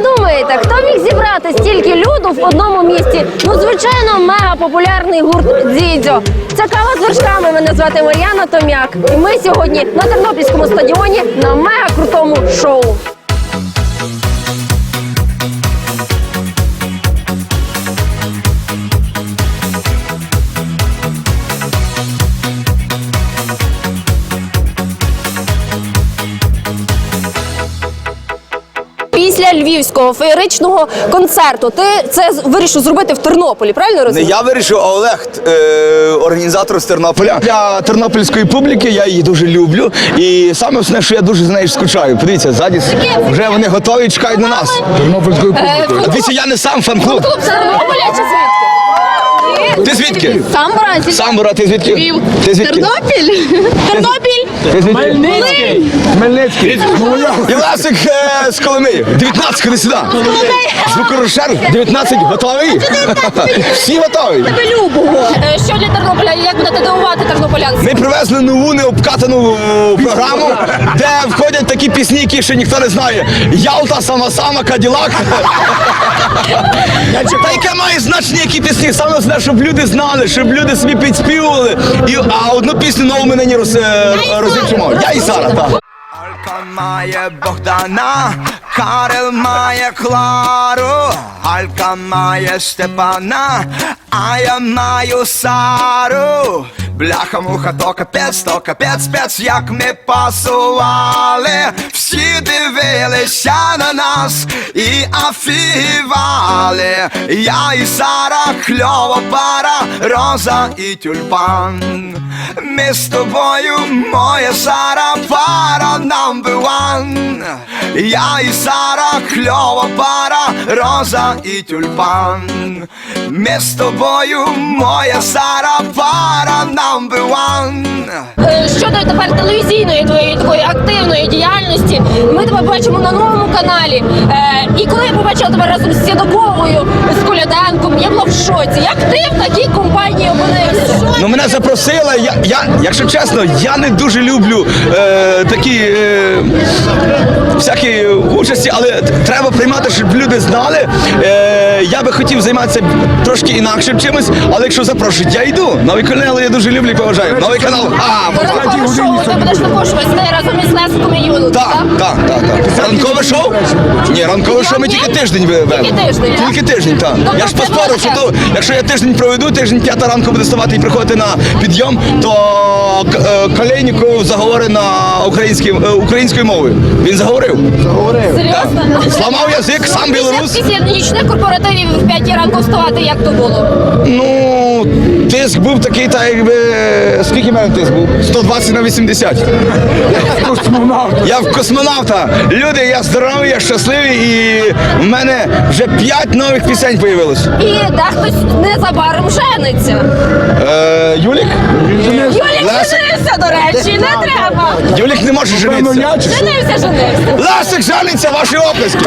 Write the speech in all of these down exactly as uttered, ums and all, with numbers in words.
думаєте, хто міг зібрати стільки люду в одному місті? Ну, звичайно, мега-популярний гурт Дзідзьо. Це «Кава з вершками», мене звати Мар'яна Том'як. І ми сьогодні на Тернопільському стадіоні на мега-крутому шоу. Після львівського феєричного концерту ти це вирішив зробити в Тернополі, правильно розумію? Не я вирішив, а Олег, е, організатор з Тернополя. Для тернопільської публіки я її дуже люблю. І саме основне, що я дуже за нею скучаю. Подивіться, ззаді вже вони готові і чекають на нас. Тернопільської публіки. А дивіться, я не сам фан-клуб. Клуб з Тернополя чи звідки? Ти звідки? Самбора. Самбора, ти звідки? Львів. Ти звідки? Тернопіль? Тернопіль? Ти звідки? Хмельницький. Хмельницький. І Лесик е, з Коломиї. дев'ятнадцять, ходи сюди. Звукорежисер, дев'ятнадцять, готовий? Всі готові. Тебе любого. Що для Тернополя? Як будете дивувати тернополянців? Ми привезли нову необкатану програму, де входять такі пісні, які ще ніхто не знає. Ялта, сама-сама, Каділак. Та яке має значення, які пісні? Саме основне, щоб люди знали, щоб люди собі підспівували. І, а одну пісню нову ми нині роз, розіграємо. Я і Сара, так. Алька має Богдана, Карел має Клару, Алька має Степана, а я маю Сару. Бляха-муха, то капець, то капець, спец, як ми пасували. Всі дивилися на нас і афігівали. Я і Сара, кльова пара, Роза і Тюльпан. Ми з тобою, моя Сара, пара number one. Я і Сара, кльова пара, Роза і Тюльпан. Ми з тобою, моя Сара, пара number one. Щодо тепер телевізійної твоєї такої активної діяльності, ми тебе бачимо на новому каналі. Е, і коли я побачила тебе разом з Сєдоковою, з Коляденком, я була в шоці. Як ти в такій компанії опинився? Ну, мене запросили, я, я, якщо чесно, я не дуже люблю е, такі е, всякі участі, але треба приймати, щоб люди знали. Е, я би хотів займатися трошки інакшим чимось, але якщо запрошують, я йду. Новий канал я дуже люблю і поважаю. Новий канал, а, Ранкове шоу ти будеш також вести разом із Лесиком і Юлою, так, так, так, так. Ранкове шоу? Ні, ранкове шоу ми тільки тиждень ведемо. Тільки тиждень, так? Тільки тиждень, так. Тобто Я ж це поспорив, що велике. то, якщо я тиждень проведу, тиждень п'ята ранку буде ставати і приходити на підйом, то е, Колєсніков заговорить на українській, е, українською мовою. Він заговорив. Серйозно? Зламав язик, сам білорус. Після нічних корпоративів в п'ятій ранку вставати, як то було? Ну, тиск був такий, так якби... Скільки в мене тиск був? сто двадцять на вісімдесят. Я в космонавта. Люди, я здоровий, я щасливий і в мене вже п'ять нових пісень появилось. І дехтось незабаром жениться. Е, Юлік? Юлік Лесик? женився, до речі, не треба. Юлік не може женитися. Женився, женився. Лесик жениться, ваші оплески.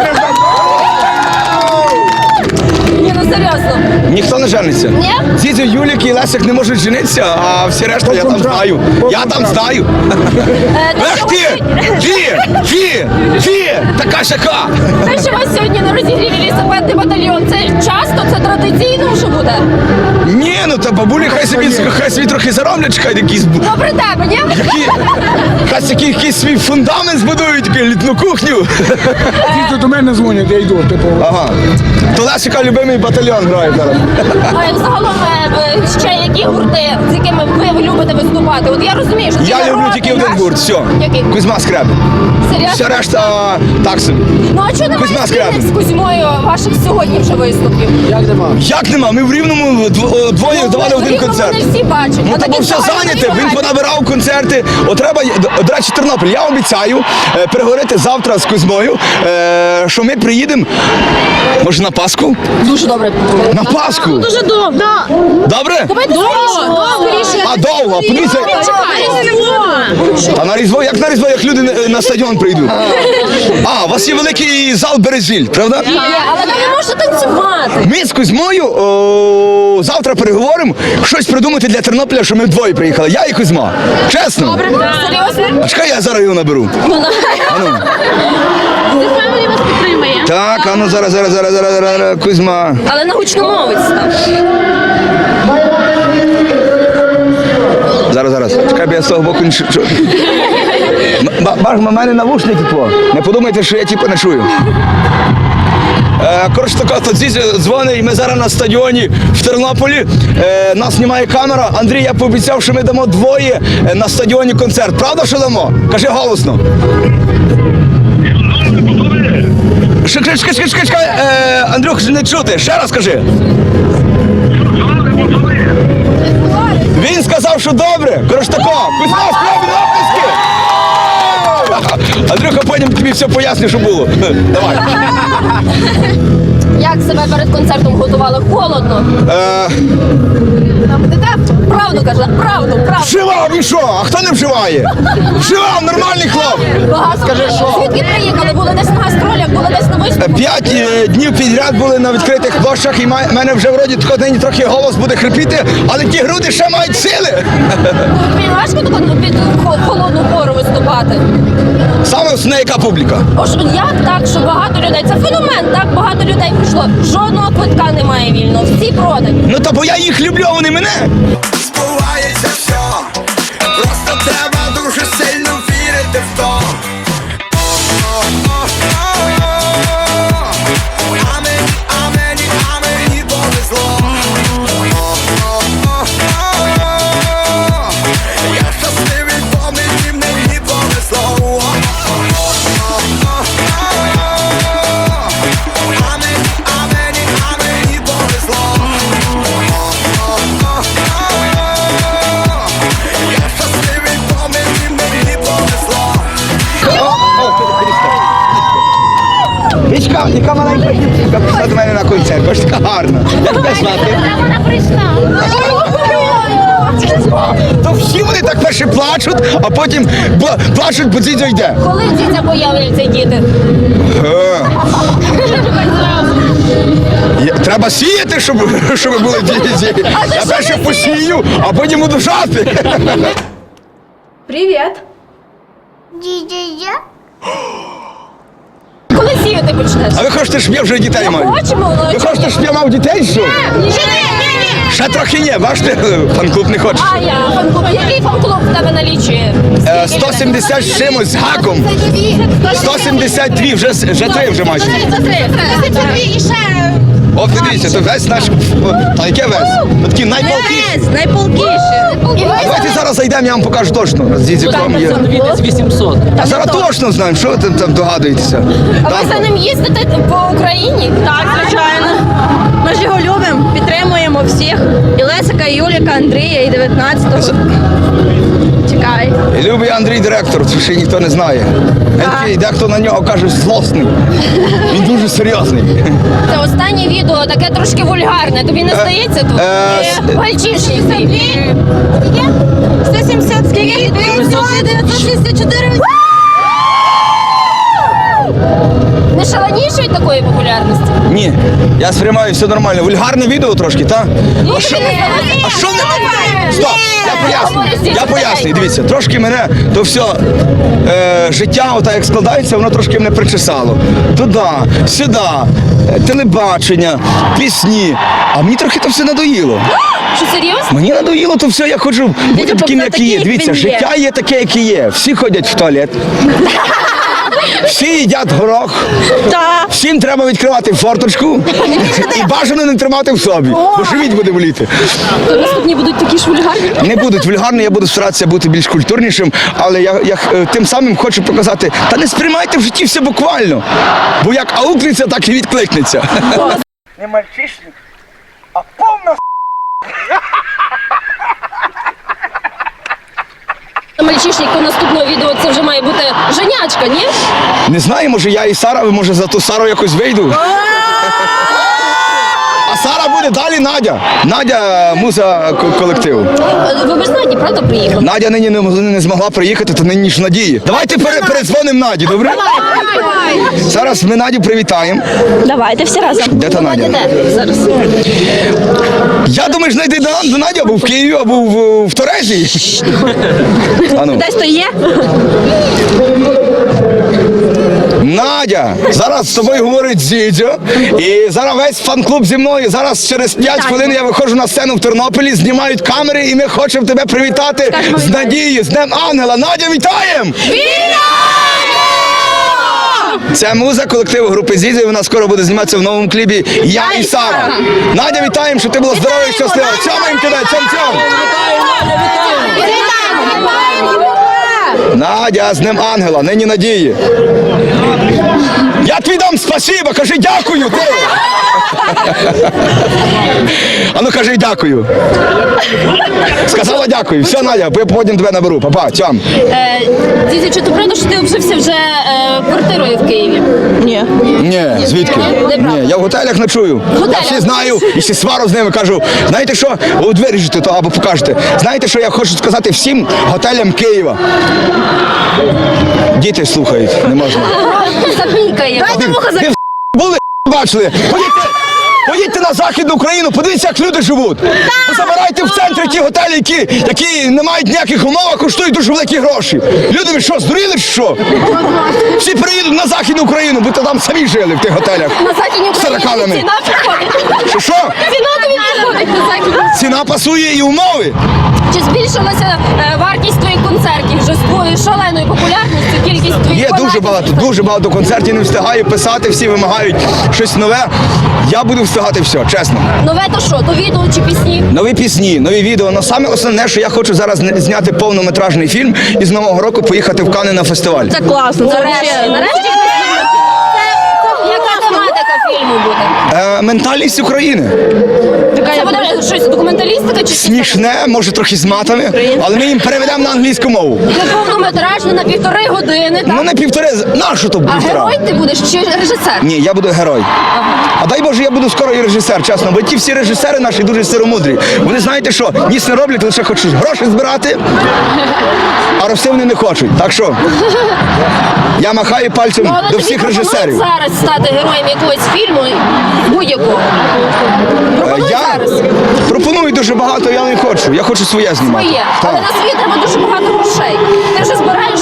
Ні, ну серйозно. Ніхто не жениться. Ні? Дзідзьо, Юлік і Лесик не можуть женитися, а всі решта я там знаю. Я там знаю. Е, те, Ех що ти! ви- Фі! Фі! Фі! Така шака! Те, що у вас сьогодні на розігріві лісопедний батальйон, це часто, це традиційно вже буде? Ні, ну та бабулі хай собі, хай собі трохи зароблять, чекай, якісь... Добре тебе, ні? Які, хай який, якийсь свій фундамент збудують, таку літну кухню. Тільки до мене дзвонять, я йду, типу. Ага. То Лесика любимий батальйон грає зараз. А загалом е, ще які гурти, з якими ви любите виступати? От я розумію, що Я ті люблю народні, тільки один наш- гурт, все. Який? Кузьма Скрябін. Серйозно? Вся решта так собі. Ну а чого немає Кузьма спільних Скрябін. з Кузьмою ваших сьогодні вже виступів? Як нема? Ми в Рівному дв- двоє Ну, давали в один Рівному концерт. не всі бачать. Ну А та бо такі все загальні зайняте, він багаті. понабирав концерти. От треба, до речі, Тернопіль, я обіцяю е, переговорити завтра з Кузьмою, е, що ми приїдемо, може на Пасху? Дуже добре. На Пасху? Дуже добре. Добре? Давайте скоріше. А довго, подивіться. А на Різдво, як на Різдво, як люди на- на стадіон прийдуть? А, у вас є великий зал Березіль, правда? Ні, але ви не можете танцювати. Ми з Кузьмою о, завтра переговоримо, щось придумати для Тернополя, що ми вдвоє приїхали. Я і Кузьма. Чесно? Серйозно? А чекай, я зараз його наберу. Ану. Family вас підтримує. Так, а ну зараз, зараз, зараз, зараз, зараз, Кузьма. Але на гучномовець став. Зараз, зараз. Чекай, бо я з того боку не чую. Баж, у мене навушники тво. Не подумайте, що я типу не чую. Е, Коротше, така, то Дзідзя дзвонить, і ми зараз на стадіоні в Тернополі. Е, нас знімає камера. Андрій, я пообіцяв, що ми дамо двоє е, на стадіоні концерт. Правда, що дамо? Кажи голосно. Чекай, чекай, чекай, чекай, е, Андрюх, не чути. Ще раз кажи. Він сказав, що добре. Коротше, тако. Кузьма, справді оплески. Андрюха, потім тобі все поясню, що було. Давай. Як себе перед концертом готували? Холодно. Е, Правду каже, правду, правду. Вживав і що? А хто не вживає? Вживав, нормальний хлоп. Багато. Скажи, що? Звідки приїхали? Були десь на гастролях, були десь на виступі? П'ять е, днів підряд були на відкритих площах, і в мене вже вроді тако нині трохи голос буде хрипіти, але ті груди ще мають сили. Тобі важко таку під хо- холодну пору виступати? Саме основне, яка публіка. Ож як так, що багато людей? Це феномен, так багато людей прийшло. Жодного квитка немає вільно, всі продані. Ну та бо я їх люблю, а вони мене. Збувається все, просто треба дуже сильно вірити в то. А мені, а мені, а мені повезло. Я щасливий, бо мені, мені повезло. А мені, а мені, а мені повезло. Я щасливий, бо мені, мені повезло. Вічка, яка маленька дівчинка прийшла до мене на концерт, бо ж така гарна. Як тебе звати? Вона прийшла. То всі вони так перше плачуть, а потім бла- плачуть, бо Дзідзя йде. Коли дітя появляться діти? Е. Є- Треба сіяти, щоб, щоб були діти. Я перше посію, а потім буду жати. Привіт. Дідя, Коли сіяти почнеш? А ви хочете, щоб я вже дітей маю? Хочемо, воно Ви хочете, щоб я мав дітей, що? Ні, ні, ні. Ще трохи є, бачите, фан-клуб не хоче. А я фан-клуб. Який фан-клуб в тебе налічує? Е, сто сімдесят з чимось з гаком. сто сімдесят два, вже, з- вже три вже майже. І ще. От дивіться, то весь наш... А яке весь? Ну, такі найполкіші. Найполкіше. І А давайте зараз зайдемо, я вам покажу точно. З Дідзюком є. Відець вісімсот. А зараз точно знаємо, що ви там, там догадуєтеся. А ви за ним їздите по Україні? Так, звичайно. Ми ж його любимо, підтримуємо всіх. І Лесика, і Юліка, Андрія, і дев'ятнадцятого. Чекай. І любий Андрій директор, це ще ніхто не знає. Він такий, дехто на нього каже злосний. Він дуже серйозний. Це останнє відео, таке трошки вульгарне. Тобі не здається тут? е, с- Гальчишник. сто сімдесят скільки? дев'ятсот шістдесят чотири. Не шаленіше від такої популярності? Ні, я сприймаю все нормально. Вульгарне відео трошки, так? А що? А що не? Стоп, я поясню. Я поясню. Дивіться, трошки мене то все е, життя, отак як складається, воно трошки мене причесало. Туди, сюди, е, телебачення, пісні. А мені трохи то все надоїло. Що, серйозно? Мені надоїло то все, я хочу бути таким, як є. Дивіться, життя є таке, яке є. Всі ходять в туалет. Всі їдять горох. Так. Всім треба відкривати форточку і бажано не тримати в собі, бо живіт буде боліти. То наступні будуть такі ж вульгарні? Не будуть вульгарні, я буду старатися бути більш культурнішим, але я, я е, тим самим хочу показати, та не сприймайте в житті все буквально, бо як аукнеться, так і відкликнеться. Не мальчишник, а повна Мальчишник, у наступного відео це вже має бути женячка, ні? Не знаю, може я і Сара, може за ту Сару якось вийду. А Сара буде далі Надя. Надя муза ко- колективу. Ви без Наді, правда, приїхали? Надя нині не, не змогла приїхати, то нині ж Надії. Давайте пере, передзвонимо Наді, добре? Зараз ми Надю привітаємо. Давайте всі разом. Де та Надя? Де? Зараз. Я думаю, знайди до, до Наді або в Києві, або в, в Торезі. А ну. Десь то є? Надя, зараз з тобою говорить Зідзьо, і зараз весь фан-клуб зі мною. Зараз через п'ять хвилин я виходжу на сцену в Тернополі, знімають камери, і ми хочемо тебе привітати з Надією, з Днем Ангела. Надя, вітаємо! Це муза колективу групи Зідзьо, і вона скоро буде зніматися в новому кліпі «Я і Сара». Надя, вітаємо, щоб ти була здорова і щаслива. Цьомаємо тебе, цьом-цьом! Надя, з Днем Ангела, нині Надії. Я тобі дам спасибо, кажи дякую, ти. А ну кажи дякую. Сказала дякую. Все, Надя, я потім тебе наберу. Папа, цьом. Дідзі, чи то правда, що ти обжився вже е, квартирою в Києві? Ні. Ні, звідки? Неправда. Ні, я в готелях ночую. готелях? Я всі знаю, і всі свару з ними кажу. Знаєте що? От виріжете то або покажете. Знаєте, що я хочу сказати всім готелям Києва? Діти слухають, не можна. Запікає. Ви, ви були бачили? Поїдьте, поїдьте на Західну Україну, подивіться, як люди живуть. Забирайте в центрі ті готелі, які, які не мають ніяких умов, а коштують дуже великі гроші. Люди, ви що, здуріли чи що? Всі приїдуть на Західну Україну, бо то там самі жили в тих готелях. На Західній З Україні тараканами. ціна підходить. Що, що? Ціна тобі підходить на Західній. Ціна пасує і умови. Чи збільшилася е, вартість твоїх концертів вже з твоєю шаленою популярністю, кількість твоїх Є дуже фанатів? багато, дуже багато концертів, не встигаю писати, всі вимагають щось нове. Я буду встигати все, чесно. Нове то що? То відео чи пісні? Нові пісні, нові відео. Но саме основне, що я хочу зараз зня- зняти повнометражний фільм і з Нового року поїхати в Канни на фестиваль. Це класно, це Нарешті. взагалі. Нарешті. Яка тематика фільму буде? Е, ментальність України. Це буде щось документалістика чи Смішне, може трохи з матами, але ми їм переведемо на англійську мову. Це повнометражне на півтори години, так? Ну не півтори, нащо то А півтора? герой ти будеш чи режисер? Ні, я буду герой. А дай Боже, я буду скоро і режисер, чесно, бо ті всі режисери наші дуже сиромудрі. Вони знаєте що, ніс не роблять, лише хочуть гроші збирати, а рости вони не хочуть. Так що я махаю пальцем Ну, але до тобі всіх пропонують режисерів. зараз стати героєм якогось фільму, будь-якого. Е, Пропонують Я зараз пропоную дуже багато, я не хочу. Я хочу своє знімати. своє. Так. Але на свої треба дуже багато грошей. Ти вже збираєш?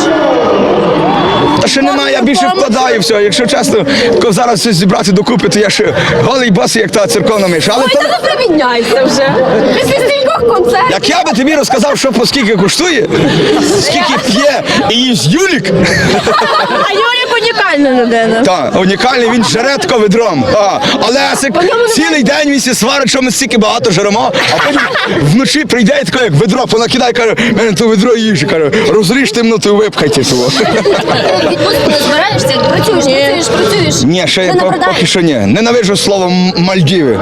Та ще немає, я більше вкладаю все. Якщо чесно, коли зараз щось зібрати докупи, то я ще голий босий, як та церковна миша. Але Ой, то, та не приміняйся вже. Після стількох концертів. як я би тобі розказав, що по скільки коштує, скільки п'є і їсть Юлік, А Юлік унікальна людина. та унікальний, він жере тако ведром. А, але Лесик цілий день він сі сварить, що ми стільки багато жеремо, а потім вночі прийде і тако, як ведро, понакидає, каже, мене то ведро їжі, каже, розріж темноту і випхайте того. Відпустку не збираєшся? Працюєш, працюєш, працюєш. Ні, ще Ти по- напродаєш? поки що ні. Ненавиджу слово М- Мальдіви.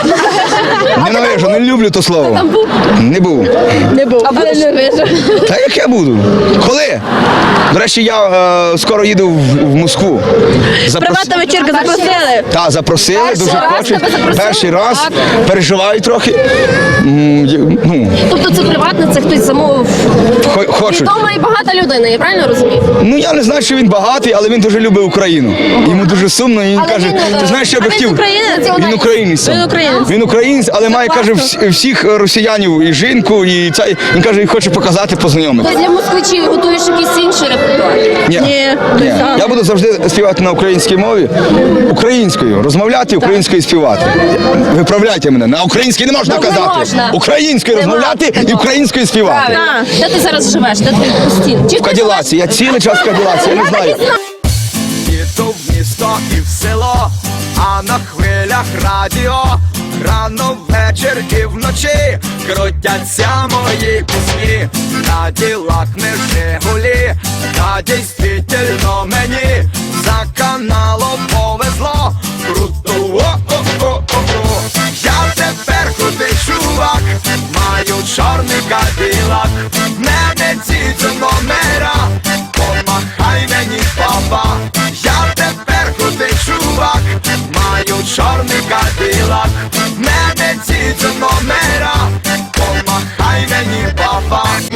Ненавиджу, не люблю то слово. Там був? Не був. Не був, але не вижу. Та як я буду? Коли? До речі, я е, скоро їду в, в Москву. Запрос- Приватна вечірка запросили. Та, запросили, Перший дуже раз хочуть. тебе запросили? Перший раз. Так. Переживаю трохи. М, є- Ну, Тобто це приватне, це хтось замовив. хо- хочуть. Відома і багата людина, я правильно розумію? Ну я не знаю, що він багатий, але він дуже любить Україну. Йому дуже сумно, і він Але каже, він, е, ти знаєш, що я би а він хотів. українець? Він українець. сам. Він українець. Він українець, але має, каже, класно. вс- всіх росіянів і жінку, і цей, він каже, і хоче показати, познайомити. Ти для москвичів готуєш якийсь інший репертуар. Ні. Ні. Ні. Я буду завжди співати на українській мові, українською, розмовляти, українською співати. Виправляйте мене, на українській не можна Ну, не казати. можна. Українською Нема розмовляти і такого. українською співати. Правильно. Де ти зараз живеш? Де ти постійно? Чи В Каділаці, я цілий час в Каділаці, я не знаю. Їду в місто і в село, а на хвилях радіо. Рано ввечір і вночі крутяться мої пісні. Каділак не Жигулі, та дійсно мені за каналом повезло. Круто, о-о-о-о-о. Я тепер крутий чувак, маю чорний каділак. Мене ці номера, помахай мені, папа. Я тепер крутий чувак, маю чорний каділак. Мене ці номера, помахай мені, папа. на машині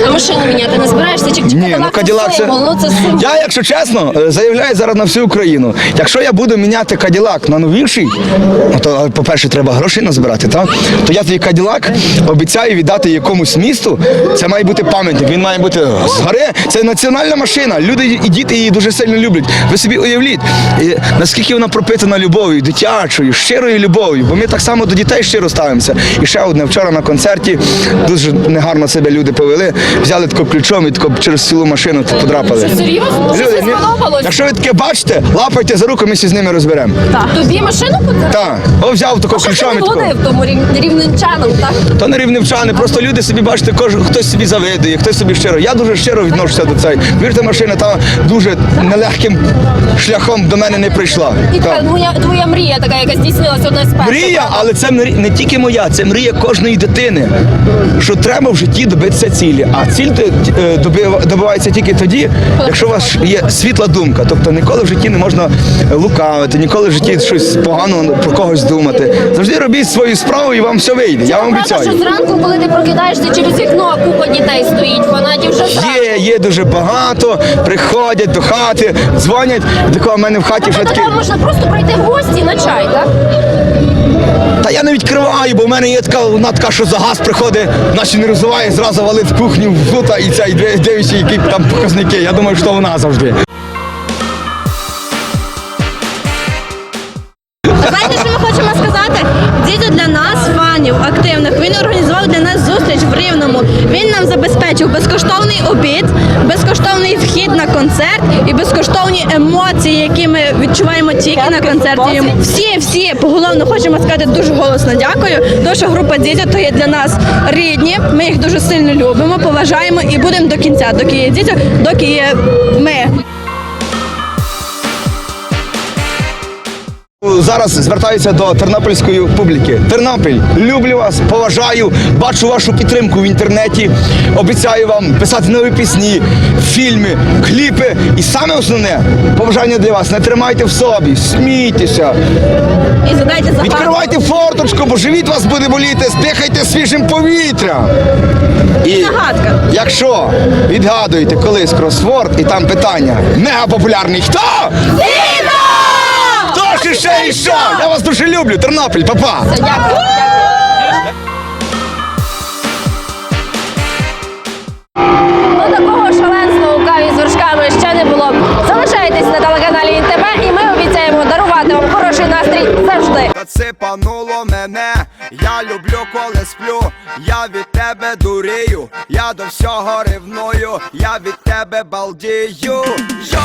міняти не збираєшся? Чи, чи Ні, ну Кадилак Каділак це... символ? Ну, це символ. Я, якщо чесно, е, заявляю зараз на всю Україну. Якщо я буду міняти Каділак на новіший, ну, то, по-перше, треба грошей назбирати, так? То я твій Каділак обіцяю віддати якомусь місту. Це має бути пам'ятник, він має бути згори. Це національна машина. Люди і діти її дуже сильно люблять. Ви собі уявліть, і наскільки вона пропитана любов'ю, дитячою, щирою любов'ю. Бо ми так само до дітей щиро ставимося. І ще одне, вчора на концерті дуже негарно себе люди повели, взяли тако ключом і тако через цілу машину подрапали. Що, серйозно? Що Люди, це ні- сподобалось? Якщо ви таке бачите, лапайте за руку, ми всі з ними розберемо. Тобі машину подарували? Так, о, взяв тако Що ти ключом не і тако. водив тому рів- рівненчанам, так? То не рівневчани, просто люди собі бачите, кожен хтось собі завидує, хтось собі щиро. Я дуже щиро відношуся до цієї. Вірте, машина та дуже нелегким шляхом до мене не прийшла. І Так. така твоя, твоя мрія така, яка здійснилася одна з перших. Мрія, але це мрі- не тільки моя, це мрія кожної дитини. Що треба в житті добитися цілі. А ціль е, доби- добивається тільки тоді, якщо у вас є світла думка. Тобто ніколи в житті не можна лукавити, ніколи в житті щось поганого про когось думати. Завжди робіть свою справу і вам все вийде. Я вам Правда, обіцяю. що зранку, коли ти прокидаєшся через вікно, купа дітей стоїть, фанатів вже зранку. Є, є дуже багато, приходять до хати, дзвонять, такого в мене в хаті вже Тобто таке. там можна просто прийти в гості на чай, так? Та я не відкриваю, бо в мене є така, вона така, що за газ приходить, наче не розвиває, зразу валить в кухню, в гута і ця, і дивиться, які там показники. Я думаю, що вона завжди. Знаєте, що ми хочемо сказати? Дідо для нас, фанів активних, він організував для нас зустріч в Рівному. Він нам забезпечив безкоштовний обід, безкоштовний вхід на концерт і безкоштовні емоції, які ми відчуваємо тільки на концерті. Йому. Всі, всі, поголовно хочемо сказати дуже голосно дякую, тому що група Дідьо то є для нас рідні, ми їх дуже сильно любимо, поважаємо і будемо до кінця, доки є Дідьо, доки є ми. Зараз звертаюся до тернопільської публіки. Тернопіль, люблю вас, поважаю, бачу вашу підтримку в інтернеті. Обіцяю вам писати нові пісні, фільми, кліпи. І саме основне побажання для вас: не тримайте в собі, смійтеся, І задайте загадку. відкривайте форточку, бо живіт вас буде боліти, здихайте свіжим повітрям. І Загадка. якщо відгадуєте колись кросворд і там питання мега популярний, хто? Хто ж ще і що? Я вас дуже люблю, Тернопіль, па-па! Дякую. Ну, такого шаленства у каві з вершками ще не було. Залишайтесь на телеканалі ІНТБ, і ми обіцяємо дарувати вам хороший настрій завжди. Та цепануло мене, я люблю, коли сплю, я від тебе дурію, я до всього ревную, я від тебе балдію. Йо!